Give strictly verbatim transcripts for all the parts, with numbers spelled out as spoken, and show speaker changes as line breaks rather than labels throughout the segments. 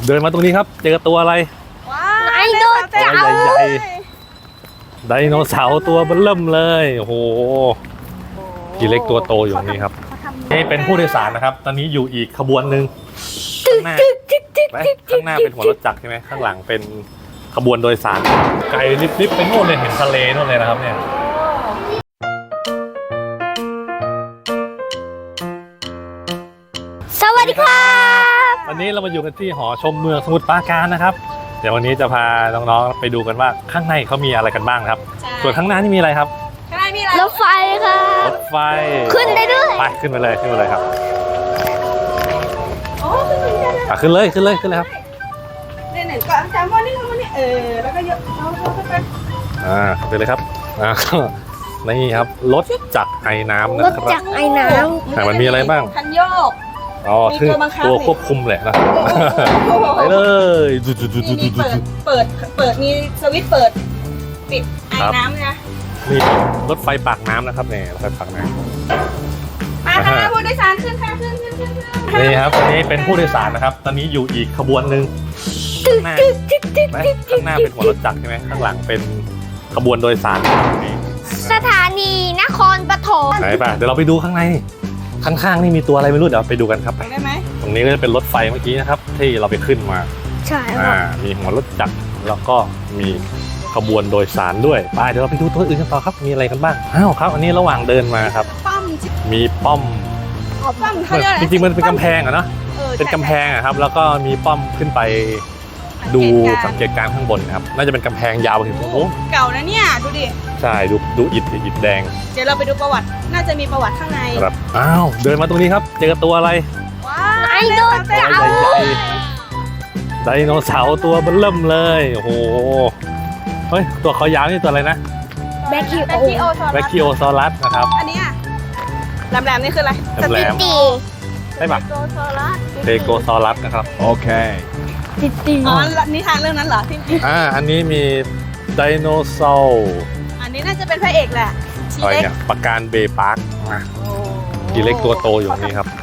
เดินมาตรงนี้ครับเจอตัวอะไร
ว้าวไดโนเสาร์
ใหญ่ๆไดโนเสาร์ตัวเบิ่มเริ่มเลยโอ้โหทีเล็กตัวโตอยู่นี่ครับนี่เป็นผู้โดยสารนะครับตอนนี้อยู่อีกขบวนหนึ่งข้างหน้าข้างหน้าเป็นหัวรถจักรใช่ไหมข้างหลังเป็นขบวนโดยสารไกลลิบๆไปโน่นเลยเห็นทะเลโน่นเลยนะครับเนี่ย
สวัสดีครับ
วันนี้เรามาอยู่กันที่หอชมเมืองสมุทรปราการนะครับเดี๋ยววันนี้จะพาน้องๆไปดูกันว่าข้างในเขามีอะไรกันบ้างครับส่วนข้างหน้านี่มีอะไรครับ
ข้างในมีอะไรรถไฟครับ
รถไฟ
ขึ้นได้ด้วย
ไปขึ้นไปเลยขึ้นไปเลยครับ
โอ้ขึ้นไปได้
ขึ้นเลยขึ้นเลยขึ้นเลยครับ
เนี่ยเนี่ยก่อนจำว่านี่มันนี่เออแล้วก็ยกเอาเข้าไป
อ่าขึ้นเลยครับอ่านี่ครับรถจักรไอ้น้ำนะ
รถ
ครับ
จักรไอ้น้ำ
แต่มันมีอะไรบ้าง
คันโยก
อ๋อคือตัวควบคุมแหละนะไปเลยดูดูดูดูดูดู
เปิดเปิดมีสวิตช์เปิดปิดไอ้น้ำนะ
นี่รถไฟปากน้ำนะครับเนี่ยรถไฟปากน้ำ
มาค่ะผู้โดยสารขึ้นค่ะขึ้นขึ้นขึ้น
นี่ครับอันนี้เป็นผู้โดยสารนะครับตอนนี้อยู่อีกขบวนหนึ่งข้างหน้าข้างหน้าเป็นหัวรถจักรใช่ไหมข้างหลังเป็นขบวนโดยสาร
สถานีนครปฐม
ไหนป่ะเดี๋ยวเราไปดูข้างในข้างๆนี่มีตัวอะไรไม่รู้เดี๋ยวไปดูกันครับ
ได้ไหม
ตรงนี้ก็จะเป็นรถไฟเมื่อกี้นะครับที่เราไปขึ้นมา
ใช่
อ่ามีหัวรถจักรแล้วก็มีขบวนโดยสารด้วยไปเดี๋ยวเราไปดูตัวอื่นกันต่อครับมีอะไรกันบ้างอ้าวครับอันนี้ระหว่างเดินมาครับมีป้อมจริงๆมันเป็นกำแพงอะเนาะเป็นกำแพงอะครับแล้วก็มีป้อมขึ้นไปดูสังเกตการข้างบนครับน่าจะเป็นกำแพงยาวถึงโอ้โห
เก่านะเนี่ยดูดิ
ใช่ดูดูอิฐอิฐแดง
เดี๋ยวเราไปดูประวัติน่าจะมีประวัติข้างใน
ครับอ้าวเดินมาตรงนี้ครับเจอตัวอะไร
ว้าวไดโนเสาร์
ไดโนเสาร์ตัวเบิ่มเริ่มเลยโอ้โหเฮ้ยตัวเขายาวนี่ตัวอะไรนะ
แบคคิโอ
แบคคิโอซอรัสนะครับ
อันนี้แหลมๆนี่คืออะไร
สติตีใช่ปะเทโกซอรัสนะครับโอเค
ติตีอ๋อนิทานเรื่องนั้นเหรอที่
อ่าอันนี้มีไดโนเสาร์
อันนี้น่าจะเป็นพระเอกแหละ
อะไรเนี่ยปะการเบย์พาร์คมาทีเล็กตัวโตอยู่นี่ครับ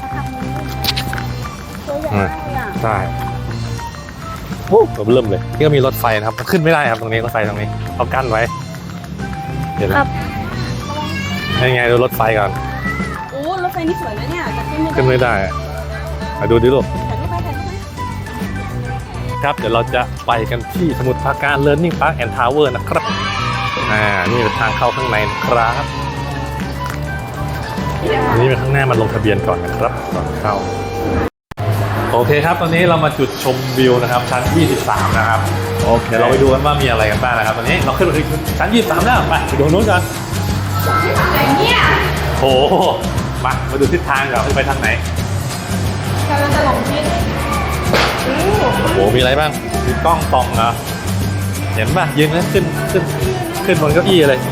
ใช่โอ้ตัวเริ่มเลยนี่ก็มีรถไฟนะครับขึ้นไม่ได้ครับตรงนี้รถไฟตรงนี้เขากั้นไว้เห็นไหมยังไงดูรถไฟก่อน
โอ้รถไฟนี่สวยนะเนี่ยจะขึ้นไม่ได้
ขึ้นไม่ได้มาดูดิลูกครับเดี๋ยวเราจะไปกันที่สมุทรปราการ Learning Park and Tower นะครับอ่านี่เป็นทางเข้าข้างในนะครับนี่เป็นข้างหน้ามาลงทะเบียนก่อนนะครับก่อนเข้าโอเคครับตอนนี้เรามาจุดชมวิวนะครับชั้นยี่สิบสามนะครับโอเคเดี๋ยวเราไปดูกันว่ามีอะไรกันบ้างนะครับตอนนี้เราขึ้นไปถึงชั้นยี่สิบสามแล้วไปไปดูนู้นกันโอ้โหมามาดูทิศทางกันไปทางไหน
กำลังจะลงทิศ
โอ้โหมีอะไรบ้างมีกล้องส่องเหรอเห็นป่ะยืนแล้วขึ้นขึ้นขึ้นบนเก้าอี้เลย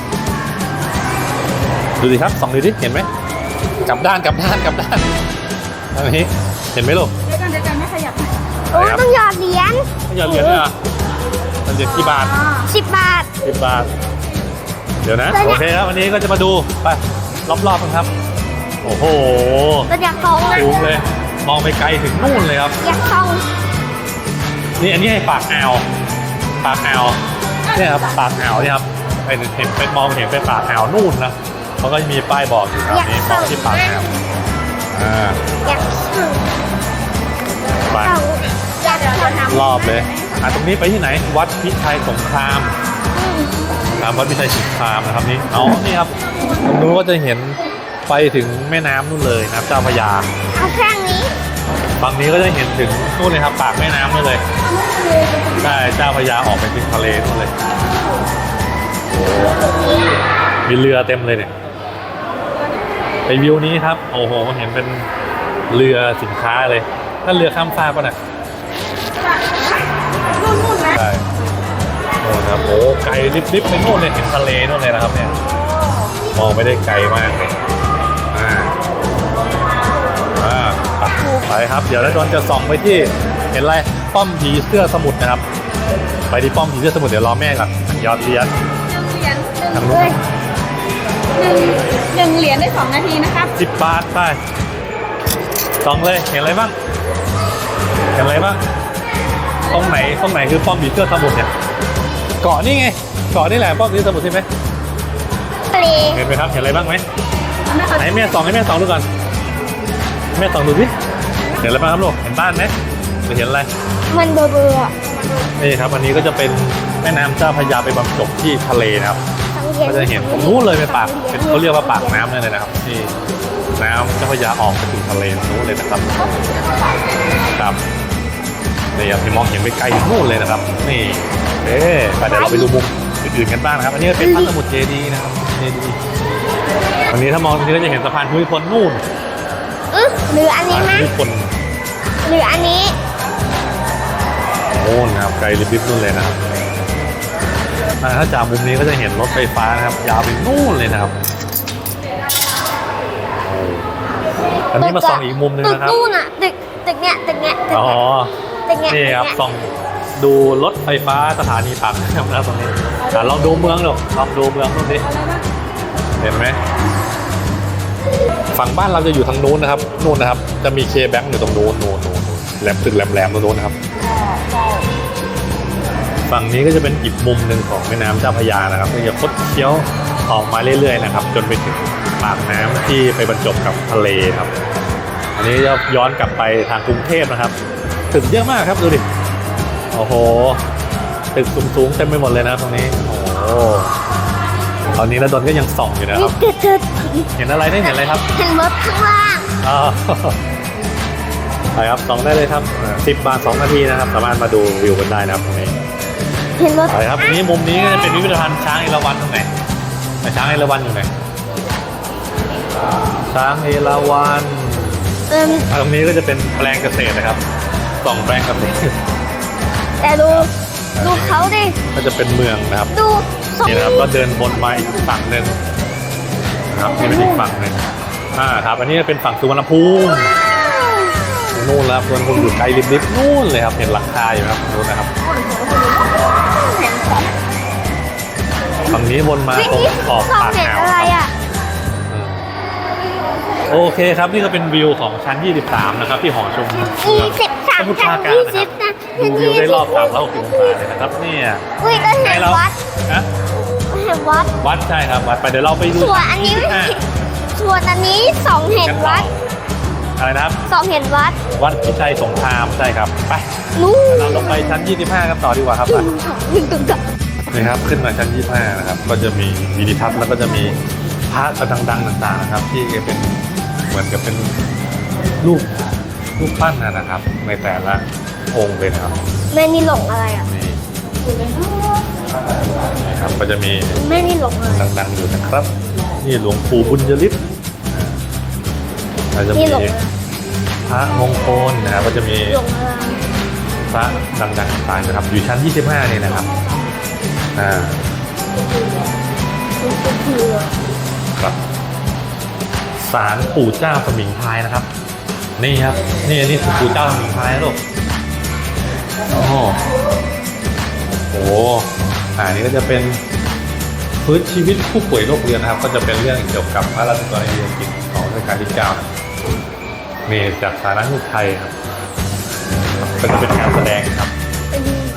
ดูดิครับส่องดูดิเห็นไหมกลับด้านกลับด้านกลับด้านอันนี้เห็นไหมลูก
เดี๋ยวกันเดี๋ยวกันไม่ขยับโอ้ต้องหยอดเหรียญ
ต้องหยอดเหรียญเหรอมันเหรียญกี่บาท
สิบบาท
สิบบาทเดี๋ยวนะโอเคครับวันนี้ก็จะมาดูไปรอบๆกันครับโอ้โห
เราอยากท่องนะ
สูงเลยมองไปไกลถึงนู่นเลยครับ
อยากท่อง
นี่อันนี้ให้ปากอ่าวปากอ่าวเนี่ยครับปากอ่าวเนี่ยครับเป็นเห็นเป็นมองเห็นเป็นปากอ่าวนู่นนะมันก็จะมีป้ายบอกอยู่ครับนี่มองที่ปากอ่าวอ่า
อยาก
ไปรอบเลยอ่ะตรงนี้ไปที่ไหนวัดพิชัยสงครามครับวัดพิชัยสงครามนะครับนี่อ๋อนี่ครับตรงนู้นก็จะเห็นไปถึงแม่น้ำนู่นเลยน้ำเจ้าพระยา
เอาแค่นี้
ฝั่งนี้ก็จะเห็นถึงนู่นเลยครับปากแม่น้ำนู่นเลยใช่เจ้าพระยาออกไปถึงทะเลนู่นเลยโอ้มีเรือเต็มเลยเนี่ยไปวิวนี้ครับโอ้โหเห็นเป็นเรือสินค้าเลยถ้าเรือข้ามฟากป่ะเนี่ยใช่โอ้ครับโอ้ไกลลิบๆไปโน่นเลยเห็นทะเลนู่นเลยนะครับเนี่ยมองไม่ได้ไกลมากเลยอ่าอ่าไปครับเดี๋ยวแล้วโดนจะส่องไปที่เห็นอะไรป้อมผีเสื้อสมุทรนะครับไปที่ป้อมผีเสื้อสมุทรเดี๋ยวรอแม่ก่อนยอดเหรียญทางนู้น
หนึ่งเหรียญได้สองนาทีนะครับ
สิบบาทไปส่องเลยเห็นอะไรบ้างเห็นอะไรบ้างตรงไหนตรงไหนคือป้อมผีเสื้อสมุทรเนี่ยเกาะนี่ไงเกาะนี่แหละป้อมผีเสื้อสมุทรใช่ไหม
ทะเล
เห็นไหมครับเห็นอะไรบ้างไหมไหนแม่ส่องให้แม่ส่องดูก่อนแม่ส่องดูสิเห็นอะไรบ้างครับลูกเห็นบ้านไหมหรือเห็นอะไร
มันเบอร์เบอร์อะ
นี่ครับอันนี้ก็จะเป็นแม่น้ำเจ้าพระยาไปบรรจบที่ทะเลนะครับ
ทั้งเย็น
ก็จะเห็นตรงนู้นเลยเป็นปากเป็นเขาเรียกว่าปากน้ำเลยนะครับที่น้ำเจ้าพระยาออกไปถึงทะเลตรงนู้นเลยนะครับครับนี่ครับที่มองเห็นไปไกลถึงนู่นเลยนะครับนี่เอ๊ะไปเดี๋ยวเราไปดูมุมอื่นๆกันบ้างนะครับอันนี้เป็นพระสมุทรเจดีย์นะครับเจดีย์วันนี้ถ้ามองตรงนี้ก็จะเห็นสะพานภูมิพลนู่น
อื้อหรืออันนี้
สะพาน
ไหม
ภูมิพล
หรืออันนี้
โน่นนะครับไกลลิบๆนู่นเลยนะครับอ่าถ้าจากมุมนี้ก็จะเห็นรถไฟฟ้านะครับยาวไปนู่นเลยนะครับโอ้อันนี้มาส่องอีกมุมหนึง
ตึก
นะครับ
นู่นอะตึกตึกเนี้ยตึกเนี้ยตึก
อ๋อ
เนี้ยตึกเนี้ย
นี่ครับ
ตึกเนี้ย
ส่องดูรถไฟฟ้าสถานีปากน้ำนะครับตรงนี้อ่ะลองดูเมืองหรอกลองดูเมืองนู่นดิเห็นไหมฝั่งบ้านเราจะอยู่ทางนู้นนะครับนู่นนะครับ จะมีเคแบงค์อยู่ตรงนู้นนู้นนู้นนู้นแหลมตึกแหลมๆตรงนู้นนะครับ ฝั่งนี้ก็จะเป็นอีกมุมหนึ่งของแม่น้ำเจ้าพระยานะครับก็จะคดเคี้ยวออกมาเรื่อยๆนะครับ จนไปถึงปากน้ำที่ไปบรรจบกับทะเลครับ อันนี้จะย้อนกลับไปทางกรุงเทพนะครับตึกเยอะมากครับดูดิโอ้โหตึกสูงๆเต็มไปหมดเลยนะครับตรงนี้โอ้โหตอนนี้ระดนก็ยังส่องอยู่นะครับ
ตึกตึก
เห็นอะไรได้เห็นอะไรครับ
เห็นรถข้างล่าง
อ๋อไปครับส่องได้เลยครับสิบบาทสองนาทีนะครับสามารถมาดูวิวกันได้นะครับตรงนี้
เห็นรถ
ไปครับอันนี้มุมนี้ก็จะเป็นพิพิธภัณฑ์ช้างเอราวัณตรงไหนไหนช้างเอราวัณอยู่ไหนช้างเอราวัณ
เอิม
ตรงนี้ก็จะเป็นแปลงเกษตรนะครับสองแปลงเกษตร
แต่ดูดูเขาดิ
ก็จะเป็นเมืองนะครับ
ดูทรง
นี่นะครับก็เดินบนมาอีกฝั่งหนึ่งนะครับนี่เป็นอีกฝั่งหนึ่งอ่าครับอันนี้เป็นฝั่งสุวรรณภูมินู่นแล้วสุวรรณภูมิอยู่ไกลลิบๆนู่นเลยครับเห็นหลังคาอยู่ครับนู่นนะครับฝั่งนี้วนมา
วิ่ง
ตรง
ที่
ขอบ
สอง
ปาก
เห็น
อ่าว
อะไร
ครับ
อ่ะ
อืมโอเคครับนี่ก็เป็นวิวของชั้นยี่สิบสามนะครับที่หอชมเมือง
ยี่สิบสาม
สมุทรป
ชั้
ราน การ
ยี่
นะค
สิ
รั
บบ นะ
ดูวิวได้รอบสามร้อยหกสิบองศาเลยนะครับเนี่ย
อุ้ยก็เห็
ให้
น
เรา
วัด
นะ
เห็นวัด
วัดใช่ครับวัดไปเดี๋ยวเราไปดู
ส่วนอันนี้
ยี่สิบห้า
ส่วนอันนี้สองเห็นวัด
อะไรนะครับ
สองเห็นวัด
วัดพิชัยสงครามใช่ครับไป
นู่น
เราลงไปชั้นยี่สิบห้ากันต่อดีกว่าครับ
ตึงตึงตึงตึง
นี่ครับขึ้นมาชั้นยี่สิบห้านะครับก็จะมีวิดีทัศน์แล้วก็จะมีพระดังๆต่างๆนะครับ ที่เป็นเหมือนกับเป็นรูปรูปปั้นนะครับ ในแต่ละองค์เลยนะครับ
แม่นี่หลงอะไรอ่ะ
นี่นะครับก็จะมี
แม่นี่หลงอะไร
ดังๆอยู่นะครับ นี่หลวงปู่บุญยฤทธิ์แล้วจะ
นี่
มี
หลงอะไร
พระมงคลนะครับก็จะมี
หลงอะไร
พระดังๆต่างๆนะครับ อยู่ชั้นยี่สิบห้านี่นะครับอ่า
มันคือ
ครับศาลปู่เจ้าสมิงพรายนะครับ นี่ครับนี่นี่คือปู่เจ้าสมิงพรายนะลูกโอ้โหโอ้โหอ่านี่ก็จะเป็นพื้นชีวิตผู้ป่วยโรคเรื้อนนะครับ ก็จะเป็นเรื่องเกี่ยวกับพระราชกรณียกิจของรัชกาลที่เก้านะนี่จากสารนุไทยครับก็จะเป็นการแสดงครับ
เป็น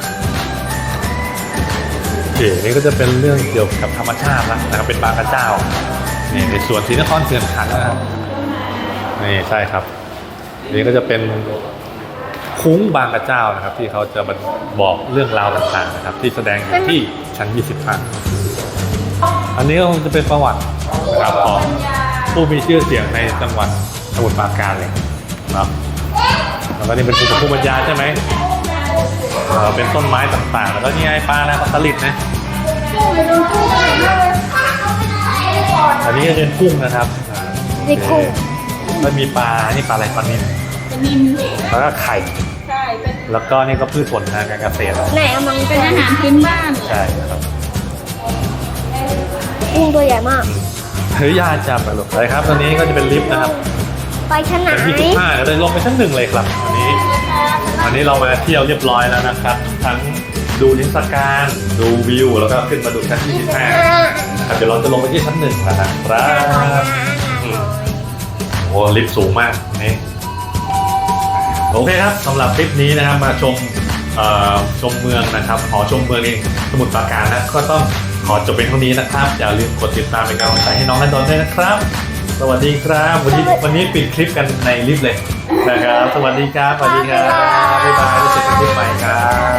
โอเคนี่ก็จะเป็นเรื่องเกี่ยวกับธรรมชาติแล้วนะครับเป็นบางกระเจ้านี่ในส่วนศรีนครเขื่อนขันธ์นะครับนี่ใช่ครับนี่ก็จะเป็นคุ้งบางกระเจ้านะครับ ที่เขาจะมาบอกเรื่องราวต่างๆนะครับ ที่แสดงอยู่ที่ชั้นยี่สิบห้าอันนี้ก็คงจะเป็นประวัตินะครับของผู้มีชื่อเสียงในจังหวัดสมุทรปราการเลยเนาะแล้วก็นี่เป็นภูมิปัญญาใช่ไหมเอ่อเป็นต้นไม้ต่างๆ แล้วก็นี่ไงปลานะปลาสลิดนะอันนี้ก็เป็นกุ้งนะครับอ่า
นี่กุ้ง
แล้วมีปลา นี่ปลาอะไรปลานิ่ม
เป็นนิม
แล้วก็ไข่
ใช่เป็น
แล้วก็นี่ก็พืชผลทางการเกษตร
ไหนเอามัง
เป็นอาหารพื้นบ้าน
ใช่ครับ
กุ้งตัวใหญ่มาก
เฮ้ยยาจับไปหรอกเลยครับ ตอนนี้ก็จะเป็นลิฟต์นะครับ
ไปชั้นไหน
ชั้นยี่สิบห้าก็เลยลงไปชั้นหนึ่งเลยครับวันนี้วันนี้เรามาเที่ยวเรียบร้อยแล้วนะครับ ทั้งดูนิทรรศการดูวิวแล้วก็ขึ้นมาดูชั้นยี่สิบห้าครับเดี๋ยวเราจะลงไปที่ชั้นหนึ่งแล้วนะครับอืมโอ้ลิฟต์สูงมากนี่โอเคครับสำหรับคลิปนี้นะครับมาชมเอ่อชมเมืองนะครับหอชมเมืองนี่สมุทรปราการนะก็ต้องขอจบเป็นเท่านี้นะครับอย่าลืมกดติดตามเป็นกำลังใจให้น้องนันดนด้วยนะครับ สวัสดีครับวันนี้วันนี้ปิดคลิปกันในลิฟต์เลยนะครับสวัสดีครับสวัสดีครับบ๊ายบายแล้วเจอกันคลิปใหม่ครับ